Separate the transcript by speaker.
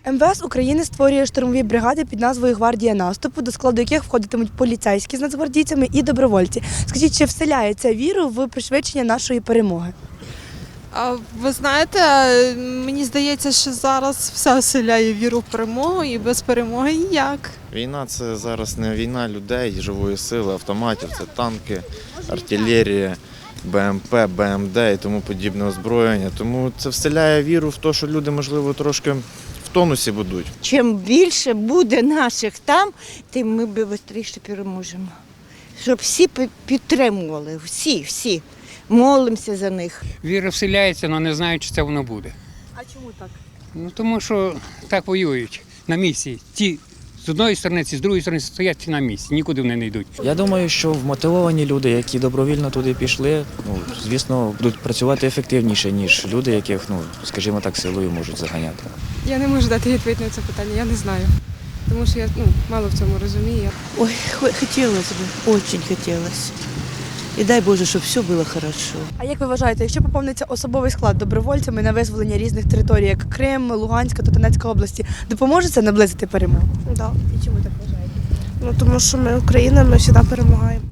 Speaker 1: МВС України створює штурмові бригади під назвою «Гвардія наступу», до складу яких входитимуть поліцейські з нацгвардійцями і добровольці. Скажіть, чи вселяє це віру в пришвидшення нашої перемоги?
Speaker 2: Ви знаєте, мені здається, що зараз все оселяє віру в перемогу і без перемоги ніяк.
Speaker 3: Війна – це зараз не війна людей, живої сили, автоматів, це танки, артилерія, БМП, БМД і тому подібне озброєння. Тому це вселяє віру в те, що люди, можливо, трошки в тонусі будуть.
Speaker 4: Чим більше буде наших там, тим ми швидше переможемо. Щоб всі підтримували, всі. Молимося за них.
Speaker 5: Віра вселяється, але не знаю, чи це воно буде.
Speaker 1: А чому так?
Speaker 5: Тому що так воюють на місці. Ті з одної сторони, ці з другої сторони стоять на місці, нікуди вони не йдуть.
Speaker 6: Я думаю, що вмотивовані люди, які добровільно туди пішли, звісно, будуть працювати ефективніше, ніж люди, яких, скажімо так, силою можуть заганяти.
Speaker 2: Я не можу дати відповідь на це питання, я не знаю. Тому що я мало в цьому розумію.
Speaker 7: Ой, хотелось бы, очень хотелось. І дай Боже, щоб все було хорошо.
Speaker 1: А як ви вважаєте, якщо поповниться особовий склад добровольцями на визволення різних територій, як Крим, Луганська та Донецька області, допоможе це наблизити перемогу?
Speaker 2: Так.
Speaker 1: І чому так вважаєте?
Speaker 2: Тому що ми Україна, ми завжди перемагаємо.